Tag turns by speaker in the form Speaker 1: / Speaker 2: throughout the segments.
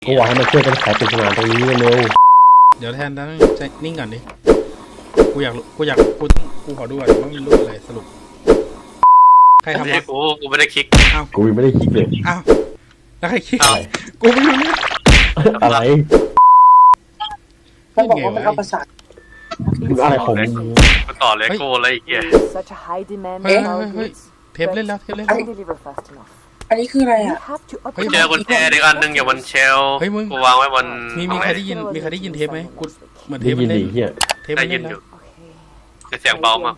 Speaker 1: ก็ว่าให้มาช่วยกันไขปริศนาตรงนี้เร็ว
Speaker 2: เดี๋ยวแทนนั้นใจนิ่งก่อนดิกูขอดูก่อนว่ามันรูปอะไรสรุปใครทำวะ
Speaker 3: กูไม่ได้คลิก
Speaker 2: อ้าว
Speaker 1: กูยังไม่ได้คิดเลย
Speaker 2: อ้าวแล้วใครคิด
Speaker 1: อะไร
Speaker 2: กูไม่รู้เนี่ย
Speaker 1: อะไร
Speaker 4: เขาบอกว่ามันเอาประสาท
Speaker 1: มึงอะไรของมึง
Speaker 3: มาต่อเลโก้อะไรอีกเนี่ย
Speaker 2: เฮ้ยเทปเล่นแล้ว
Speaker 4: อันนี้คืออะไรอ่ะ
Speaker 3: เจอกุญแจอีกอันนึงอยู่บนเชลกูวางไว้บน
Speaker 2: มีใครได้ยินเทปไหมกูเหมือนเท
Speaker 1: ได้
Speaker 2: ป
Speaker 1: ยิน
Speaker 2: เล่
Speaker 1: ดิ
Speaker 2: น
Speaker 1: เฮีย
Speaker 2: เทป
Speaker 3: ได้
Speaker 2: เล่
Speaker 3: ยิ
Speaker 2: น
Speaker 3: นอ
Speaker 2: แล้ว
Speaker 3: ยู่แต่เสียงเบามาก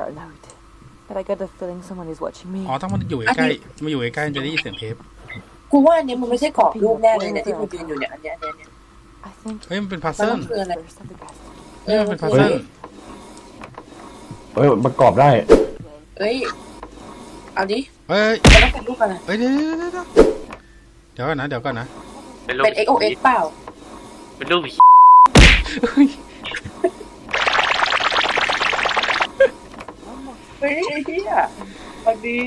Speaker 2: อ๋อต้องมันอยู่ใกล้มาอยู่ใกล้จะได้ยินเสียงเทป
Speaker 4: กูว่าอันนี้มันไม่ใช่กรอบรูปแน่เลยเนี่ยที่กูยืนอยู่เนี่ยอันเนี้ย
Speaker 2: เฮ้ยมันเป็นพัซเซิล
Speaker 4: คืออะไร
Speaker 2: มันเป็นพัซเซิล
Speaker 1: เฮ้ยประกอบได้
Speaker 4: เอ้ยเอาดิ
Speaker 2: เฮ้ย
Speaker 4: มันต้องเป็นรูปอะไร
Speaker 2: เฮ้ยเดี๋ยวก่อนนะ
Speaker 3: เป็นรูป
Speaker 4: เป็น XOX เปล่า
Speaker 3: เป็นรูป
Speaker 4: เฮ้ยไอ้เหี้ยอันนี้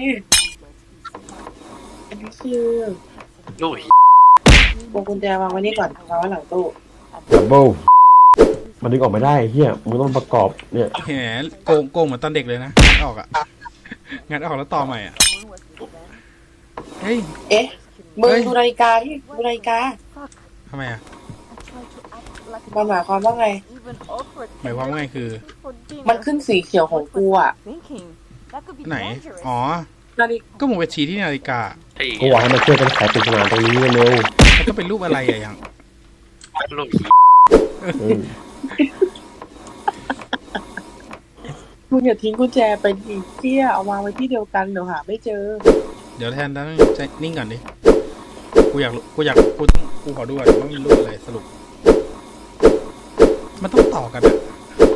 Speaker 4: คือ
Speaker 3: รูป
Speaker 4: วงกุญแจวางไว้นี่ก่อนวางไว้หลังตู้
Speaker 1: ดับเบิลมันดึงออกไม่ได้เฮียมึงต้องประกอบเนี่ย
Speaker 2: แหมโกงเหมือนตอนเด็กเลยนะงัดออกแล้วต่อใหม่อ่ะเฮ้ย
Speaker 4: เอ๊ะมึงดูนาฬิกาที่ดูนาฬิกา
Speaker 2: ทำไมอ่ะ
Speaker 4: มันหมายความว่าไง
Speaker 2: หมายความว่าไงคือ
Speaker 4: มันขึ้นสีเขียวของกูอ่ะ
Speaker 2: ไหนอ๋อ
Speaker 4: นาฬิกา
Speaker 2: ก็มึงไปชี้ที่นาฬิกา
Speaker 1: ก็ว่าให้มาช่วยกันไขปริศนาตรงนี้เร็ว
Speaker 2: แล้วก็เป็นรูปอะไรอ่ะยัง
Speaker 3: รูป
Speaker 4: คุณอย่าทิ้งกุญแจไปดิเจี้ยเอาวางไว้ที่เดียวกันเดี๋ยวหาไม่เจอ
Speaker 2: เดี๋ยวแทนนั้นใจนิ่งก่อนดิกูขอดูก่อนว่ามันรูปอะไรสรุปมันต้องต่อกันอ่ะ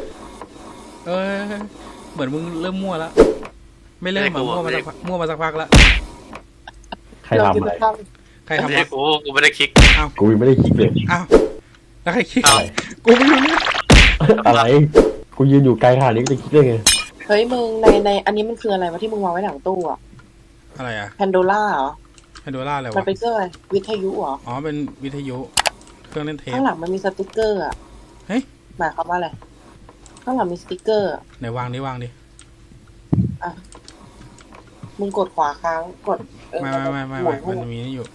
Speaker 2: เหมือนมึงเริ่มมั่วแล้วไม่เริ่มมั่วมาสักพักแล้ว
Speaker 1: ใครทำอะไร
Speaker 2: ใครทำ
Speaker 3: เลโก้กูไม่ได้คลิก
Speaker 2: อ้าว
Speaker 1: กูยังไม่ได้คิดเลย
Speaker 2: อ้าวแล้วใครคิดกูไม่รู้เนี่ย
Speaker 1: อะไรกูยืนอยู่ไกลขนาดนี้จะคิดได้ไง
Speaker 4: เฮ้ยมึงในอันนี้มันคืออะไรวะที่มึงวางไว้หลังตู้อ่ะ
Speaker 2: อะไรอ่ะ
Speaker 4: แพนโดล่าเหรอ
Speaker 2: ไฮโดร่าอะไร
Speaker 4: มัน
Speaker 2: วะ
Speaker 4: เป็นเครื่องอะไรวิทยุเหรอ
Speaker 2: อ๋อเป็นวิทยุเครื่องเล่นเทป
Speaker 4: ข้างหลังมันมีสติ๊กเกอร์อ่ะ
Speaker 2: เฮ้ย
Speaker 4: หมายความว่าอะไรข้างหลังมีสติ๊กเกอร์
Speaker 2: ไหนวางดิ
Speaker 4: อ่ะมึงกดขวาค้างกด
Speaker 2: ไม่
Speaker 4: หมุน
Speaker 2: มันมีนี่อยู่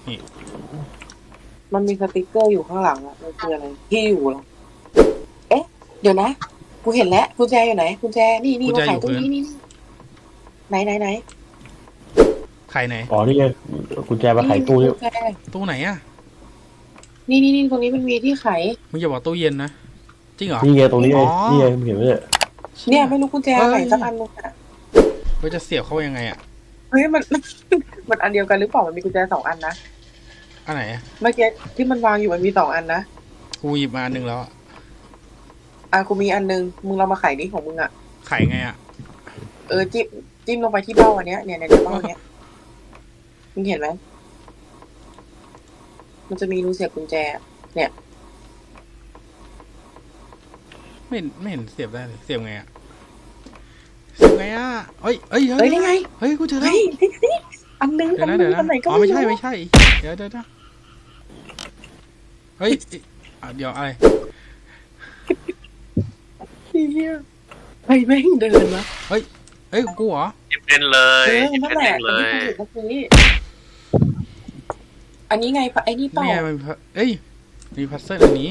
Speaker 4: มันมีสติ๊กเกอร์อยู่ข้างหลังอ่ะมันคืออะไรที่อยู่เหรอเอ๊ะเดี๋ยวนะกูเห็นแล้วกุญแจอยู่ไหนกุญแจนี่มาขายตรงนี้นี่ไหน
Speaker 2: ไข่ไหน
Speaker 1: อ๋อนี่ไงกุญแจมาไขตู้นี่
Speaker 2: ตู้ไหนอ่ะ
Speaker 4: นี่ตรงนี้มันมีที่ไข
Speaker 2: มึงอย่าบอกตู้เย็นนะจริงเหรอ
Speaker 1: นี่ไงตรงนี้ไงนี่ไงมึงเห็นไหมเนี่ย
Speaker 4: เนี่ยไม่รู้กุญแจไหนสักอันนึงอ่ะ
Speaker 2: ว่าจะเสียบเข้ายังไงอ่ะ
Speaker 4: เฮ้ยมันอันเดียวกันหรือเปล่ามันมีกุญแจ2 อันนะ
Speaker 2: อันไหน
Speaker 4: เมื่อกี้ที่มันวางอยู่มันมี2 อันนะ
Speaker 2: กูหยิบมา1แล้ว
Speaker 4: กูมีอันนึงมึงเรามาไขดิของมึงอ่ะ
Speaker 2: ไข่ไงอ่ะ
Speaker 4: จิ้มลงไปที่เบ้าอันเนี้ยเนี่ยเบ้าเนี้ยมึงเห็นไหมมันจะมีรูเสียบกุญแจเนี่ย
Speaker 2: ไม่เห็นเสียบได้เลยเสียบไงอ่ะเฮ้ย
Speaker 4: นี่ไง
Speaker 2: เฮ้ยกูเจอแล้ว
Speaker 4: เฮ้ยอันนึง
Speaker 2: เดี๋ยวนะ
Speaker 4: อันไหนก็
Speaker 2: อ๋อไม่ใช่เดี๋ยวเฮ้ยเดี๋ยวอะไร
Speaker 4: เฮียเฮ้ยแม่งเดินวะ
Speaker 2: เฮ้ยกูเหรอ
Speaker 3: หยิบเป็นเลยหยิบ
Speaker 4: นั่น
Speaker 3: เป็น
Speaker 4: แห
Speaker 3: เอ
Speaker 4: ละ
Speaker 3: งเลย
Speaker 4: อันนี้ไงไอ้นี่เปล่า
Speaker 2: เนี่ยมันมีพัซเซิลอันนี้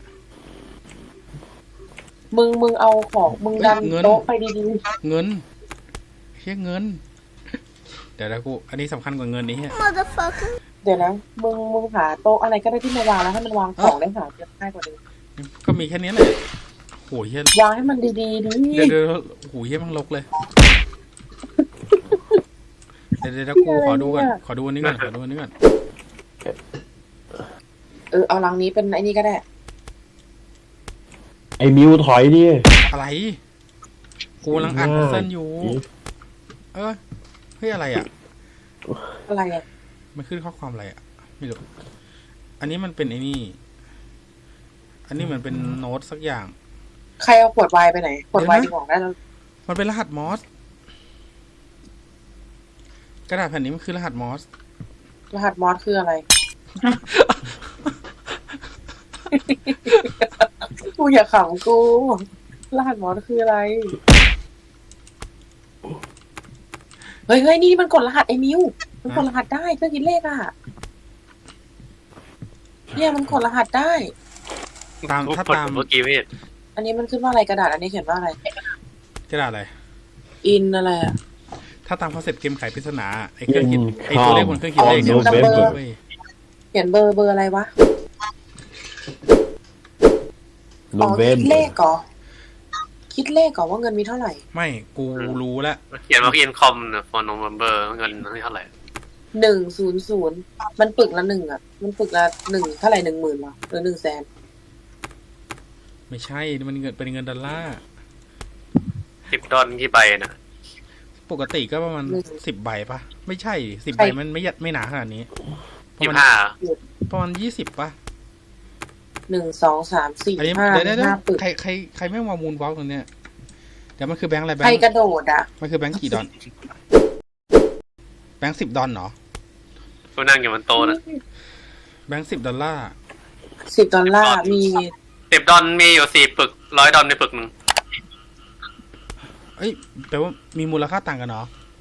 Speaker 4: มึงเอาของมึงดันโต๊ะไปดี
Speaker 2: เงินเฮียเงินเดี๋ยวกูอันนี้สำคัญกว่าเงินนี้เฮีย
Speaker 4: ๆเดี๋ยวนะมึงหาโต๊ะอะไรก็ได้ที่มาวางแล้วให้มันวางของได้หาเยอะง่ายกว่าเดิม
Speaker 2: ก็มีแค่นี้แหละโหเฮียว
Speaker 4: างให้มันดีๆดิ
Speaker 2: เดี๋ยวโหเฮียมันลกเลยเดี๋ยวกูขอดูอันนี้ก่อน
Speaker 4: เอาลังนี้เป็นไอ้นี่ก็ได้
Speaker 1: ไอ้มิวถอยดิ
Speaker 2: อะไรกูกำลังอ่านพัซเซิลอยู่เฮ้ยอะไรอ่ะ
Speaker 4: อะไรอ่ะ
Speaker 2: มันขึ้นข้อความอะไรอ่ะไม่รู้อันนี้มันเป็นไอ้นี่อันนี้เหมือนเป็นโน้ตสักอย่าง
Speaker 4: ใครเอาขวดไวน์ไปไหนขวดไวน์ดีกว่าได้แล้ว
Speaker 2: มันเป็นรหัสมอสกระดาษแผ่นนี้มันคือรหัสมอส
Speaker 4: รหัสมอสคืออะไรอย่าขำกูรหัสหมอคืออะไรเฮ้ยนี่มันกดรหัสไอ้มิวมันกดรหัสได้เครื่องคิดเลขอ่ะเนี่ยมันกดรหัสได้
Speaker 2: ถ้าตาม
Speaker 3: เมื่อกี้ไม่เห็น
Speaker 4: อันนี้มันขึ้นว่าอะไรกระดาษอันนี้เขียนว่าอะไร
Speaker 2: กระดาษอะไร
Speaker 4: อินอะไรอ่ะ
Speaker 2: ถ้าตามคอนเซ็ปต์เกมไขปริศนาไอ้เครื่องคิดไอ้ตัวเลขบนเครื่องคิดเลขเนี่ย
Speaker 4: อ๋อ
Speaker 2: มัน
Speaker 4: number
Speaker 2: เว้ย
Speaker 4: เขียนเบอร์อะไรวะ
Speaker 1: โน
Speaker 4: อ๋อ
Speaker 1: เวม
Speaker 4: คิดเลขเหรอคิดเลขก่อนว่าเงินมีเท่าไหร่
Speaker 2: ไม่กูรู้แล้ว
Speaker 3: เขียนว่าอินคอมเนี่ยฟอนโนเวมเบอร์เงินเท่าไหร่
Speaker 4: 100มันปึกละ1อ่ะมันปึกละ1เท่าไหร่10,000หรอหรือ100,000
Speaker 2: ไม่ใช่มันเงินเป็นเงินดอลลาร์
Speaker 3: $10กี่ใบนะ
Speaker 2: ปกติก็ประมาณ10 ใบปะไม่ใช่10 ใบมันไม่หนาขนาดนี้ประมาณ20 ปะ
Speaker 4: 1 2 3 4
Speaker 2: อันนี้
Speaker 4: 5
Speaker 2: เดี๋ยว
Speaker 4: 5ปึก
Speaker 2: ใครไม่วางมูลบล็อกตรงเนี้ยเดี๋ยวมันคือแบงค์อะไรแบง
Speaker 4: ใคร
Speaker 2: ค์
Speaker 4: กระโดดอ่ะ
Speaker 2: มันคือแบงค์กี่ดอลแบงค์10 ดอลเหรอ
Speaker 3: กูนั่งอยู่บนโต๊ะนะ
Speaker 2: แบงค์10 ดอลลาร์
Speaker 4: $10มี
Speaker 3: $10มีอยู่4 ปึก$100ในปึกนึง
Speaker 2: เอ้ยแปลว่ามีมูลค่าต่างกันเนาะ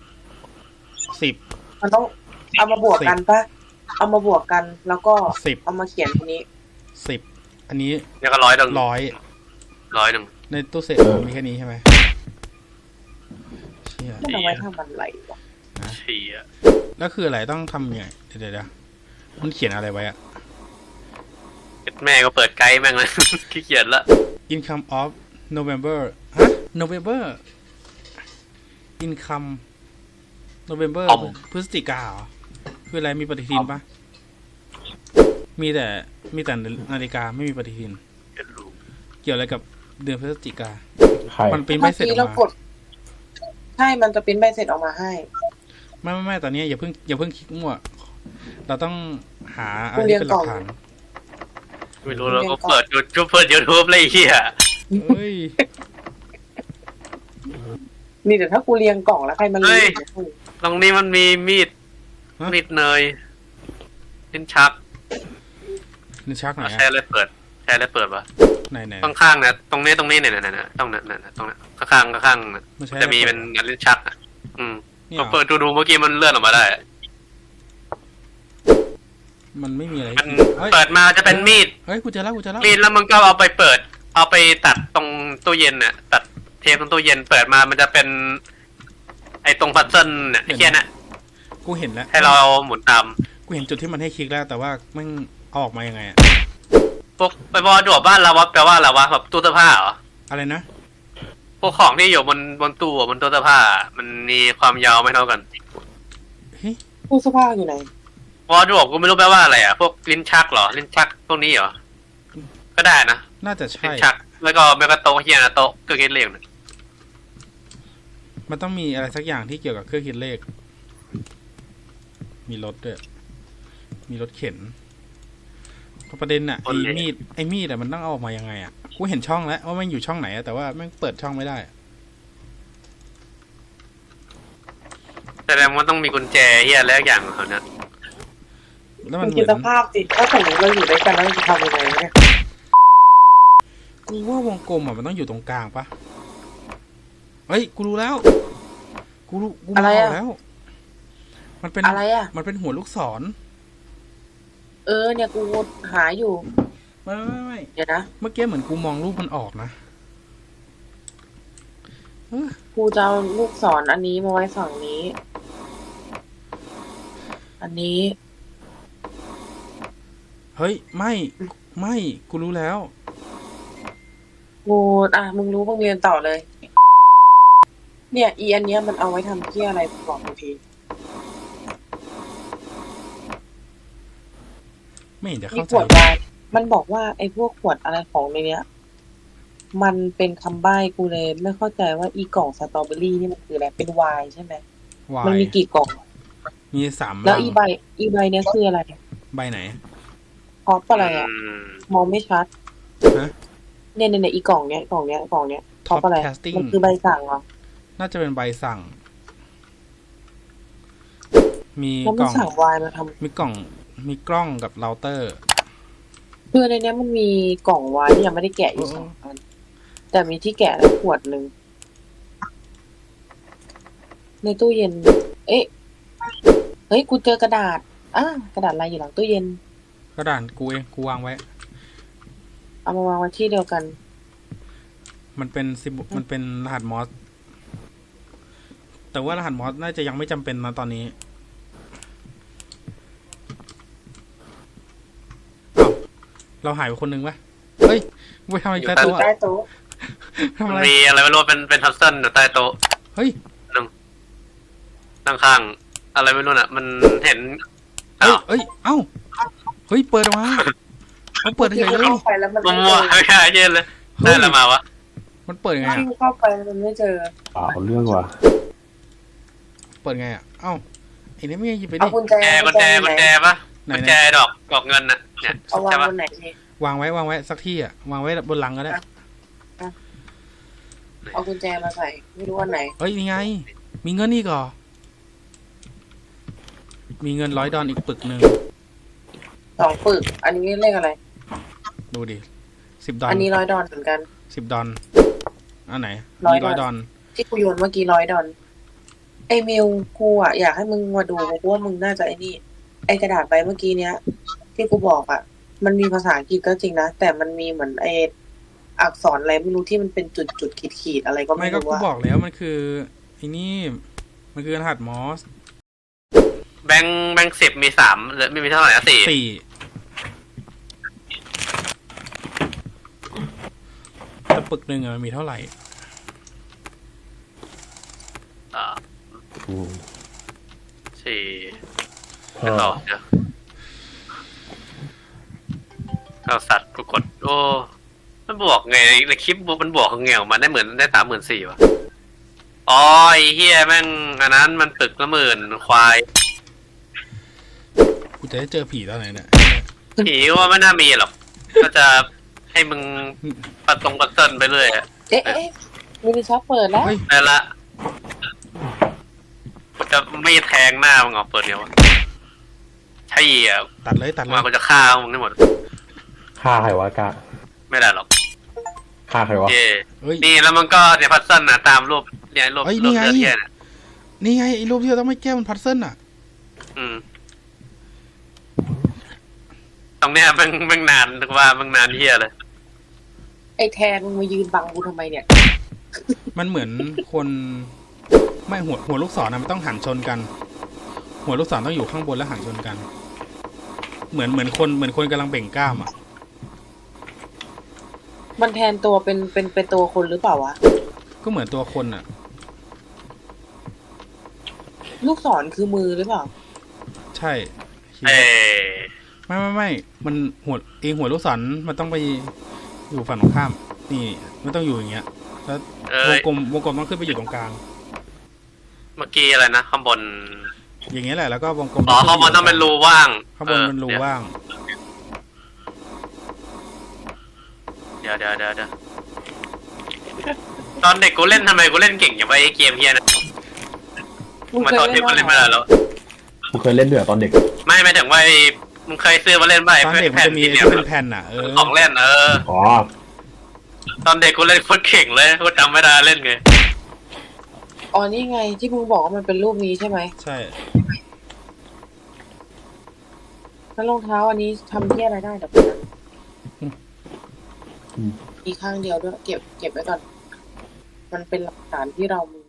Speaker 2: 10
Speaker 4: มันต้องเอามาบวกกันปะเอามาบวกกันแล้วก็
Speaker 2: 10
Speaker 4: เอามาเขียนทีนี้
Speaker 2: 10อันนี้
Speaker 3: เนี่ยก็$100
Speaker 2: ในตู้เศษมีแค่นี้ใช่ไหมเชี่ย
Speaker 4: มันเอาไว้ทำอะไรวะ
Speaker 3: เชี่ย
Speaker 2: แล้วคืออะไรต้องทำยังไงเดี๋ยวมันเขียนอะไรไว้อะ
Speaker 3: แม่ก็เปิดไกด์แม่งเลย ขี้เกียจละ
Speaker 2: income of November November income November พฤศจิกาเหรอคืออะไรมีปฏิทินปะมีแต่นาฬิกาไม่มีปฏิทินเกี่ยวอะไรกับเดือนพฤศจิกา
Speaker 1: ใคร
Speaker 2: มันเป็นใบเสร็จออก
Speaker 4: เราก
Speaker 2: มา
Speaker 4: ดใช่มันจะเป็นใบเสร็จออกมาให้
Speaker 2: ไม่ตอนนี้อย่าเพิ่งคลิกมั่วเราต้องหาอะไรที่เป็นหลักฐาน
Speaker 3: ไม่รู้แล้วก็เปิดYouTube เลยเฮีย
Speaker 2: เฮ้ย
Speaker 4: นี่แต่ถ้ากูเรียงกล่องแล้วใครมันรู้เนี่ย
Speaker 3: ตรงนี้มันมีมีดเนยลิ้นชัก
Speaker 2: นี่ชักไหน
Speaker 3: ใช้อะไรเปิดวะ
Speaker 2: ไหน
Speaker 3: ข้างๆเนี่ยตรงนี้เนี่ยตรงนี้ข้างๆจะมีเป็นลิ้นชักอ่ะพอเปิดดูเมื่อกี้มันเลื่อนออกมาได้
Speaker 2: มันไม่มีอะไร
Speaker 3: มันเปิดมาจะเป็นมีด
Speaker 2: เฮ้ยกูเจอแล้ว
Speaker 3: มีดแล้วมันก็เอาไปตัดตรงตู้เย็นน่ะตัดเทปตรงตู้เย็นเปิดมามันจะเป็นไอ้ตรงพัซเซิลเนี่ยไอ้เหี้ยน่ะ
Speaker 2: กูเห็นแล้ว
Speaker 3: ให้เราหมุนตาม
Speaker 2: กูเห็นจุดที่มันให้คลิกแล้วแต่ว่ามันเอาออกมายังไงอะ
Speaker 3: พวกไปบอดวบ้านเราวะแปลว่าอะไรวะแบบตู้เสื้อผ้าเหรอ
Speaker 2: อะไรนะ
Speaker 3: พวกของที่อยู่บนตู้บนตู้เสื้อผ้ามันมีความยาวไม่เท่ากัน
Speaker 4: ตู้เสื้อผ้าอยู่ไหน
Speaker 3: วอดวกูไม่รู้แปลว่าอะไรอ่ะพวกลิ้นชักเหรอลิ้นชักพวกนี้เหรอก็ได้นะ
Speaker 2: น่าจะใช่
Speaker 3: ลิ้นชักแล้วก็แมกกาโตะเฮียนะโตะเครื่องคิดเลขนะ
Speaker 2: มันต้องมีอะไรสักอย่างที่เกี่ยวกับเครื่องคิดเลขมีรถด้วยมีรถเข็นประเด็นอะไอ้มีดอะมันต้องเอาออกมายังไงอะกูเห็นช่องแล้วว่ามันอยู่ช่องไหนอะแต่ว่าแม่งเปิดช่องไม่ได้
Speaker 3: แสดงว่าต้องมีกุญแจเฮียแล้วอย่างของเขาเนี่ย
Speaker 2: แล้ว
Speaker 4: มั
Speaker 2: มัน นเห
Speaker 4: คิ
Speaker 2: มื
Speaker 4: ด
Speaker 2: อน
Speaker 4: สภาพสิถ้าสมมติเราอยู่ด้วยกันแล้วจะทำยังไงเนี่ย
Speaker 2: กูว่าวงกลมอะมันต้องอยู่ตรงกลางปะเฮ้ยกูรู้แล้วกูมองแล้ว มันเป็น
Speaker 4: อะไรอ่ะ
Speaker 2: มันเป็นหัวลูกศร
Speaker 4: เนี่ยกูหาอยู่
Speaker 2: ไม่
Speaker 4: เดี๋ยวนะ
Speaker 2: เมื่อกี้เหมือนกูมองรูปมันออกนะ
Speaker 4: กูจะเอาลูกศรอันนี้มาไว้ฝั่งนี้ อันนี้
Speaker 2: เฮ้ยไม่กูรู้แล้ว
Speaker 4: กูมึงรู้มึงเรียนต่อเลย เนี่ยอันเนี้ยมันเอาไว้ทำเที่ยอะไรบอกกูที
Speaker 2: ไม่เห็นจะ
Speaker 4: นี่
Speaker 2: เข้า
Speaker 4: ข
Speaker 2: ใจ
Speaker 4: วดวายมันบอกว่าไอ้พวกขวดอะไรของในเนี้ย มันเป็นคำใบ้กูเลยไม่เข้าใจว่าอีกล่องสตรอเบอรี่นี่มันคืออะไรเป็นไวน์ใช่ไหม
Speaker 2: วา
Speaker 4: มัน
Speaker 2: ย
Speaker 4: มีกี่กล่อง
Speaker 2: มี3
Speaker 4: แล้วอีใบเนี้ยคืออะไร
Speaker 2: ใบไหน
Speaker 4: พอปอะไรอ่ะมองไม่ชัด
Speaker 2: ฮะ
Speaker 4: เนี่ยอีกล่องเนี้ยพอปอะไร
Speaker 2: Casting
Speaker 4: มันคือใบสั่งเหรอ
Speaker 2: น่าจะเป็นใบสั่ง มี
Speaker 4: แล้ว
Speaker 2: ก
Speaker 4: มัน
Speaker 2: ล่อง
Speaker 4: สั่งไวน์มาทำ
Speaker 2: มีกล้องกับเราเตอร์
Speaker 4: กูคือในเนี้ยมันมีกล่องไว้ที่ยังไม่ได้แกะอยู่สองอันแต่มีที่แกะแล้วขวดหนึ่งในตู้เย็น เอ๊ะเฮ้ยกูเจอกระดาษกระดาษอะไรอยู่หลังตู้เย็น
Speaker 2: กระดานกูเองกูวางไว้
Speaker 4: เอามาวางไว้ที่เดียวกัน
Speaker 2: มันเป็นมันเป็นรหัสมอสแต่ว่ารหัสมอสน่าจะยังไม่จำเป็นนะตอนนี้อ้าวเราหายไปคนหนึ่งปะเฮ้ยไปทำอะไรใต้โต๊ะ
Speaker 4: ใต้
Speaker 2: อะ
Speaker 4: โต๊ะ
Speaker 2: ทำอะไร
Speaker 3: มีอะไรไม่รู้เป็นพัซเซิลอยู่ใต้โต๊ะ
Speaker 2: เฮ้ย
Speaker 3: ข้างๆอะไรไม่รู้น่ะ มันเห็น
Speaker 2: เอ้ยเอ้ยเอ้าเฮ้ยเปิดออกมามันเปิดเฉยเลย
Speaker 4: เข้าไปแล้วมัน
Speaker 3: มั
Speaker 4: ไม่
Speaker 3: ว
Speaker 4: เจอ
Speaker 3: ไม่ใช่เย็นเลยได้อะไรมาวะ
Speaker 2: มันเปิดยังไง
Speaker 4: ที่
Speaker 2: อะ
Speaker 4: เข้าไปมันไม่เจอ
Speaker 1: เอาเรื่องว่ะ
Speaker 2: เปิดไงอะเอ้าไอ้นี่ไม่หยิบไป
Speaker 4: เอา
Speaker 2: ดิ
Speaker 4: กุญแจ
Speaker 3: กุญแจปะ
Speaker 2: ไหน
Speaker 3: กุญแจดอกเงินน่ะเนี่ย
Speaker 4: เอาวาง
Speaker 3: ใช่ปะ
Speaker 4: บนไหนนี่
Speaker 2: วางไว้สักที่อะวางไว้บนหลังก็ได้
Speaker 4: เอากุญแจมาใส่ ไม่รู้อันไหน
Speaker 2: เฮ้ยนี่ไง มีเงินอีกเหรอมีเงิน$100อีกปึกหนึ่ง
Speaker 4: 2 ปึก อันนี้เลขอะไร
Speaker 2: ดูดิ$10
Speaker 4: อันนี้$100เหมือนกัน
Speaker 2: $10อันไหน
Speaker 4: ร้อย
Speaker 2: มี$100
Speaker 4: ที่กูโยนเมื่อกี้$100ไอ้มิวกูอ่ะอยากให้มึงมาดูเพราะว่ามึงน่าจะไอ้นี่ ไอ้กระดาษใบเมื่อกี้เนี้ย ที่กูบอกอ่ะ มันมีภาษาอังกฤษก็จริงนะ แต่มันมีเหมือนไอ้อักษรอะไรไม่รู้ที่มันเป็นจุดขีดอะไรก็
Speaker 2: ไม่
Speaker 4: ไม่
Speaker 2: ก็
Speaker 4: รู้
Speaker 2: กู
Speaker 4: ว่า
Speaker 2: บอกแล้วมันคือไอ้นี่มันคือรหัสมอส
Speaker 3: แบงค์10มี3หรือไม่มีเท่าไหร่นะ4
Speaker 2: 4แต่ปึกหนึ่งอะมันมีเท่าไหร่
Speaker 1: อืม
Speaker 3: 4แล้วต่อเดี๋ยวเอาสัตว์กูกดโอ้มันบวกไงในคลิปมันบวกของเงี้ยมันได้ได้34,000 ว่ะอ๋อไอ้เฮียแม่งอันนั้นมันตึกละ10,000ควาย
Speaker 2: กูจะได้เจอผีตอนไหนเนี่ย
Speaker 3: ผีว่าไม่น่ามีหรอก ก็จะให้มึงปัดเติ้ลไปเรื่อยอะ
Speaker 4: เอ๊ะมินิช็อปเปิดแล้ว
Speaker 2: เฮ้ย
Speaker 3: นั่นละกูจะไม่แทงหน้ามึงออกเปิดเดียวอะใช่อ่ะ
Speaker 2: ตัดเลย
Speaker 3: มากูจะฆ่ามึงให้หมด
Speaker 1: ฆ่าใครวะกะ
Speaker 3: ไม่ได้หรอก
Speaker 1: ฆ่าใครวะ
Speaker 3: เย่
Speaker 2: เฮ้ย
Speaker 3: นี่แล้วมันก็เนี่ยพัซเซิลนะตามรูปเนี่ยรูป
Speaker 2: เอ้ย
Speaker 3: รู
Speaker 2: นี่
Speaker 3: ป
Speaker 2: ไง
Speaker 3: เลือดเทียน
Speaker 2: นี่ไงไอ้รูปที่เราต้องไม่แก้มันพัซเซิลอะ
Speaker 3: ตรงเนี้ยมันนานว่ามันนานเฮียเลย
Speaker 4: ไอ้แทนมึงมายืนบังกูทำไมเนี่ย
Speaker 2: มันเหมือนคนไม่หัวลูกศรนะมันต้องหันชนกัน หัวลูกศรต้องอยู่ข้างบนแล้วหันชนกัน เหมือนคนกำลังเบ่งกล้ามอะ
Speaker 4: มันแทนตัวเป็นตัวคนหรือเปล่าวะ
Speaker 2: ก็เหมือนตัวคนอะ
Speaker 4: ลูกศรคือมือหรือเปล่า
Speaker 2: ใช่
Speaker 3: เอ้
Speaker 2: ไม่มันหัวลูกศรมันต้องไปอยู่ฝั่งตรงข้าม นี่ไม่ต้องอยู่อย่างเงี้ยแล้ว วงกลมต้องขึ้นไปอยู่ตรงกลาง
Speaker 3: เมื่อกี้อะไรนะข้างบน
Speaker 2: อย่างเงี้ยแหละแล้วก็วงกลม
Speaker 3: อ๋อข้างบนต้องเป็นรูว่าง
Speaker 2: ข้างบนเป็นรูว่าง
Speaker 3: เดี๋ยวตอนเด็กกูเล่นทำไมกูเล่นเก่งอย่างไอ้เกมเฮียนะ
Speaker 4: มึง
Speaker 3: มา
Speaker 4: เคย
Speaker 3: ตอนที่
Speaker 4: เล่น
Speaker 3: กูเล่นไม่
Speaker 4: บ้าง
Speaker 3: ได้
Speaker 4: เหรอ
Speaker 3: แล้ว
Speaker 1: กูเคยเล่นด้วยตอนเด็ก
Speaker 3: ไม่ถึงว่ามึงเคยซื้อมาเล่นไหม
Speaker 2: ตอนเด็กมันจะมีไอ้
Speaker 3: เนี่ย
Speaker 2: ที่เป็นแผ่นอ่ะ
Speaker 3: ของเล่น
Speaker 1: อ๋อ
Speaker 3: ตอนเด็กกูเล่นโคตรเก่งเลยกูจำไม่ได้เล่นไง
Speaker 4: อ๋อนี่ไงที่มึงบอกว่ามันเป็นรูปนี้ใช่ไหม
Speaker 2: ใช่
Speaker 4: แล้วรองเท้าอันนี้ทำที่อะไรได้เดี๋ยวก่อนนะมีข้างเดียวด้วยเก็บไว้ก่อน มันเป็นหลักฐานที่เรามี